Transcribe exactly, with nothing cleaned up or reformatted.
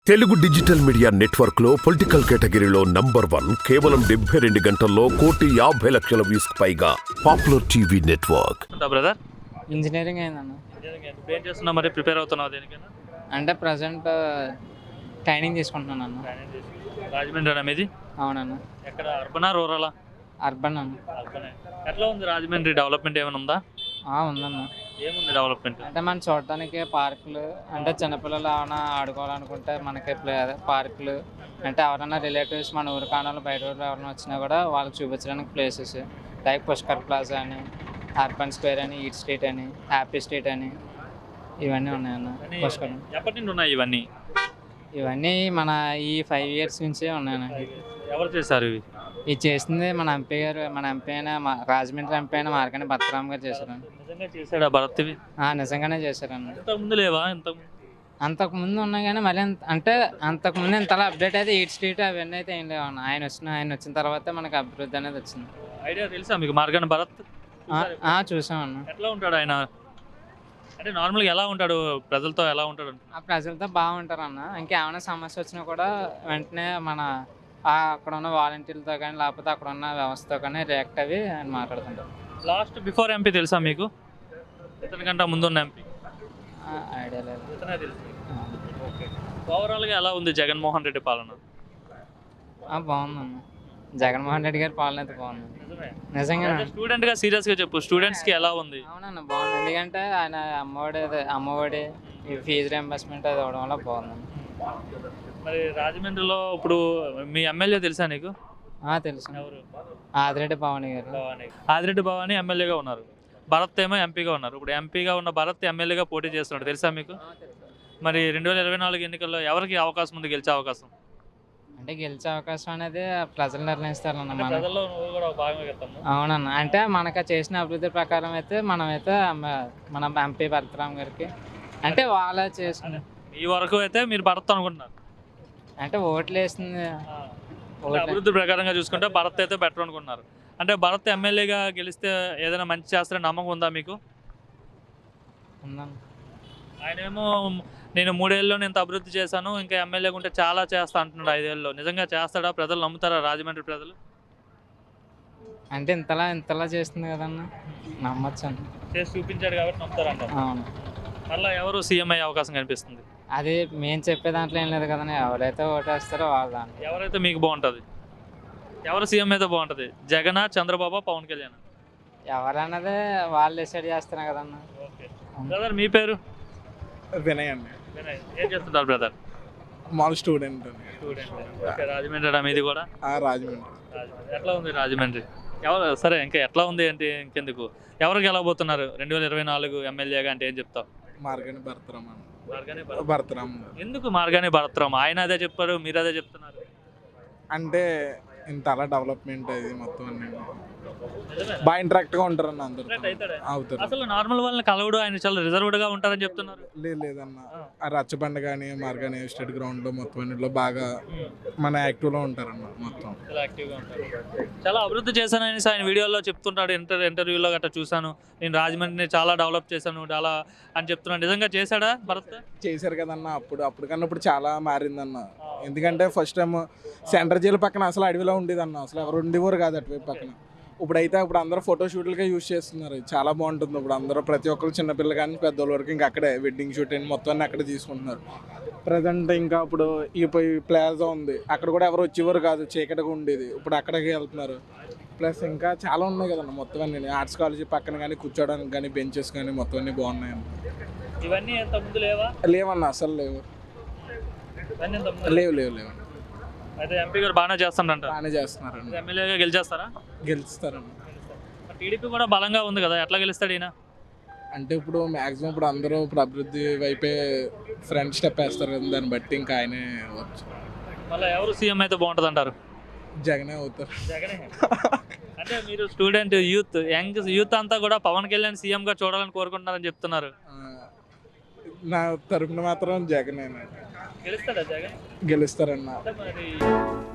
Telugu digital media network లో political కేటగిరీలో number one కేవలం డెబ్బై రెండు గంటల్లో కోటి యాభై లక్షల వ్యూస్ పైగా popular TV network. Brother engineering అయిందన్న. ఇప్పుడు ఏం చేస్తున్నావు మరి? ప్రిపేర్ అవుతున్నావు దేనికైనా? అంటే ప్రజెంట్ ట్రైనింగ్ తీసుకుంటున్నాను అన్న. రాజమండ్రి అన్న మీది? అవునన్న. ఎక్కడ, అర్బనా రూరలా? అర్బన్ అన్న. అర్బనే. ఎట్లా ఉంది రాజమండ్రి? డెవలప్మెంట్ ఏమైనా ఉందా? ఉందన్న. ఏముంది డెవలప్మెంట్? అంటే మనం చూడటానికి పార్కులు, అంటే చిన్నపిల్లలు ఏమైనా ఆడుకోవాలనుకుంటే మనకి ప్లే అదే పార్కులు, అంటే ఎవరైనా రిలేటివ్స్ మన ఊరు కాణాలు బయట ఊరు ఎవరైనా వచ్చినా కూడా వాళ్ళకి చూపించడానికి ప్లేసెస్ లైక్ పుష్కర్ ప్లాజా అని, అర్బన్ స్క్వేర్ అని, ఈట్ స్ట్రీట్ అని, హ్యాపీ స్ట్రీట్ అని, ఇవన్నీ ఉన్నాయన్న. పుష్కర్ ఎప్పటి నుండి ఉన్నాయి ఇవన్నీ? ఇవన్నీ మన ఈ ఫైవ్ ఇయర్స్ నుంచే ఉన్నాయన్న. ఎవరు చేశారు ఇవి? ఇది చేసింది మన ఎంపీ గారు, మన ఎంపీ అయిన రాజమండ్రి ఎంపీ అయిన మార్కండి భరతరామ్ గారు చేశారండి. నిజంగా చేశాడా భరత్ ఇవి? నిజంగానే చేశారండి. ఇంతకుముందు లేవా? ఇంతకు అంతకుముందు ఉన్నాయి కానీ మళ్ళీ అంటే అంతకుముందు ఇంతలా అప్డేట్ అయితే ఈట్ స్ట్రీట్ అవన్నీ అయితే ఏం లేవు. ఆయన వచ్చిన ఆయన వచ్చిన తర్వాత మనకి అభివృద్ధి అనేది వచ్చింది. ఐడియా తెలుసా మీకు మార్గాని భరత్? చూసామన్న. ఎట్లా ఉంటాడు ఆయన? అంటే నార్మల్గా ఎలా ఉంటాడు? ప్రజలతో ఎలా ఉంటాడు? ఆ ప్రజలతో బాగుంటారు అన్న. ఇంకేమైనా సమస్య వచ్చినా కూడా వెంటనే మన అక్కడ ఉన్న వాలంటీర్లతో కానీ లేకపోతే అక్కడ ఉన్న వ్యవస్థతో కానీ రియాక్ట్ అవి ఆయన మాట్లాడుతుంటారు. లాస్ట్ బిఫోర్ ఎంపీ తెలుసా మీకు? ఇతని కంటే ముందున్న ఎంపీ ఐడియా లేదు. ఇతనే తెలుసు. ఓకే. ఓవరాల్గా ఎలా ఉంది జగన్మోహన్ రెడ్డి పాలన? బాగుందన్న. జగన్మోహన్ రెడ్డి గారి పాలన అయితే బాగుంది. నిజంగా స్టూడెంట్ గా సీరియస్ గా చెప్పు, స్టూడెంట్స్ కి ఎలా ఉంది? అవునన్న, బాగుంది. ఎందుకంటే ఆయన అమ్మఒడి అమ్మఒడి ఈ ఫీజు రియంబర్స్మెంట్ అది అవడం వల్ల బాగుంది. మరి రాజమండ్రిలో ఇప్పుడు మీ ఎమ్మెల్యే తెలుసా నీకు? తెలుసు. ఎవరు? ఆదిరెడ్డి భవానీ గారు. ఆదిరెడ్డి భవానీ ఎమ్మెల్యేగా ఉన్నారు, భరత్ ఏమో ఎంపీగా ఉన్నారు. ఇప్పుడు ఎంపీగా ఉన్న భరత్ ఎమ్మెల్యేగా పోటీ చేస్తున్నాడు, తెలుసా మీకు? మరి రెండు వేల ఇరవై నాలుగు ఎన్నికల్లో ఎవరికి అవకాశం ఉంది గెలిచే అవకాశం? అంటే గెలిచే అవకాశం అనేది ప్రజలు నిర్ణయిస్తారన్న. మన అవునన్న. అంటే మనకు చేసిన అభివృద్ధి ప్రకారం అయితే మనమైతే మన ఎంపీ భరతరామ్ గారికి అంటే వాళ్ళ చేసిన ఈ వరకు అయితే మీరు భరత్ అనుకుంటున్నారు? అంటే ఓట్లు వేసింది అభివృద్ధి ప్రకారంగా చూసుకుంటే భరత్ అయితే బెటర్ అనుకుంటున్నారు. అంటే భరత్ ఎమ్మెల్యేగా గెలిస్తే ఏదైనా మంచి చేస్తారని నమ్మకం ఉందా మీకు? ఉందన్న. ఆయన ఏమో నేను మూడేళ్ళలో నేను అభివృద్ధి చేశాను, ఇంకా ఎమ్మెల్యేగా ఉంటే చాలా చేస్తా అంటున్నాడు ఐదేళ్ళలో. నిజంగా చేస్తాడా? ప్రజలు నమ్ముతారా రాజమండ్రి ప్రజలు? అంటే ఇంతలా ఇంతలా చేస్తుంది కదన్న, నమ్మచ్చు అని చేసి చూపించాడు కాబట్టి నమ్ముతారంట. అవును. మళ్ళీ ఎవరు సీఎం అయ్యే అవకాశం కనిపిస్తుంది? అది మేము చెప్పే దాంట్లో ఏం లేదు కదన్నా, ఎవరైతే ఓటేస్తారో వాళ్ళ దాంట్లో. ఎవరైతే మీకు బాగుంటుంది? ఎవరు సీఎం అయితే బాగుంటుంది? జగనా, చంద్రబాబు, పవన్ కళ్యాణ్? ఎవరన్నదే వాళ్ళు డిసైడ్ చేస్తున్నారు కదన్నా. ఓకే. బ్రదర్ మీ పేరు? వినయ్ అండి. వినయ్. ఏం చేస్తుంటారు బ్రదర్? మామూలు స్టూడెంట్. స్టూడెంట్. ఓకే. రాజమండ్రి మీది కూడా? రాజమండ్రి. రాజమండ్రి ఎట్లా ఉంది రాజమండ్రి? ఎవరు సరే ఇంకా ఎట్లా ఉంది అంటే ఇంకెందుకు, ఎవరు గెలవబోతున్నారు రెండు వేల ఇరవై నాలుగు ఎమ్మెల్యేగా అంటే ఏం చెప్తావు? మార్గాని భరతరామ్. మార్గాని భరతరామ్. ఎందుకు మార్గాని భరతరామ్? ఆయన అదే చెప్పారు, మీరు అదే చెప్తున్నారు. అంటే ఇంత అలా డెవలప్మెంట్ అది మొత్తం అన్ని బాగా ఇంటరాక్ట్ గా ఉంటారు అన్న, అందరూ అవుతారు. అసలు నార్మల్ వాళ్ళని కలవడు, ఆయన చాలా రిజర్వ్డ్ గా ఉంటారని చెప్తున్నారు. లేదు లేదన్న, ఆ రచ్చబండ కానీ మార్గాని స్టేట్ గ్రౌండ్ లో మొత్తం అన్నింటిలో బాగా మన యాక్టివ్ లో ఉంటారన్న. మొత్తం చాలా యాక్టివ్ గా ఉంటారు. చాలా అభివృద్ధి చేశానని ఆయన వీడియోలో చెప్తుంటాడు. ఇంటర్ ఇంటర్వ్యూలో గట్రా చూశాను, నేను రాజమండ్రిని చాలా డెవలప్ చేశాను చాలా అని చెప్తున్నాను. నిజంగా చేశాడా భరత్? చేశారు కదన్న. అప్పుడు అప్పుడు కన్నా ఇప్పుడు చాలా మారిందన్న. ఎందుకంటే ఫస్ట్ టైం సెంటర్ జైలు పక్కన అసలు అడవిలో ఉండేదన్న, అసలు ఎవరు ఉండేవారు కాదు అటువైపు పక్కన. ఇప్పుడైతే ఇప్పుడు అందరూ ఫోటో షూట్లకే యూజ్ చేస్తున్నారు, చాలా బాగుంటుంది. ఇప్పుడు అందరూ ప్రతి ఒక్కరు చిన్నపిల్లలు కానీ పెద్దోళ్ళ వరకు ఇంకా అక్కడే వెడ్డింగ్ షూట్ అని మొత్తం అన్నీ అక్కడే తీసుకుంటున్నారు ప్రజెంట్. ఇంకా ఇప్పుడు ఈ ప్లాజా ఉంది, అక్కడ కూడా ఎవరు వచ్చేవారు కాదు, చీకటిగా ఉండేది, ఇప్పుడు అక్కడికి వెళ్తున్నారు. ప్లస్ ఇంకా చాలా ఉన్నాయి కదన్న మొత్తం అన్ని. ఆర్ట్స్ కాలేజీ పక్కన కానీ కూర్చోడానికి కానీ బెంచెస్ కానీ మొత్తం అన్నీ బాగున్నాయన్న. ఇవన్నీ ఎంత ముందు లేవా? లేవన్న, అసలు లేవు. లేవు లేవు లేవు. అయితే ఎంపీ గారు బాగానే చేస్తారంట? బాగానే చేస్తున్నారండి. ఎమ్మెల్యేగా గెలిచేస్తారా? గెలుస్తారండి. టీడీపీ కూడా బలంగా ఉంది కదా, ఎట్లా గెలుస్తాడు ఈయన? అంటే ఇప్పుడు మ్యాక్సిమం ఇప్పుడు అందరూ ఇప్పుడు అభివృద్ధి వైపే ఫ్రంట్ స్టెప్ వేస్తారు కదా, దాన్ని బట్టి ఇంకా ఆయనే వచ్చు. మళ్ళీ ఎవరు సీఎం అయితే బాగుంటుంది అంటారు? జగనే అవుతారు. జగనే. అంటే మీరు స్టూడెంట్ యూత్ యంగ్ యూత్ అంతా కూడా పవన్ కళ్యాణ్ సీఎం గా చూడాలని కోరుకుంటున్నారని చెప్తున్నారు. నా తరపున మాత్రం జగనే. గెలుస్తాడా జగన్? గెలుస్తారన్న.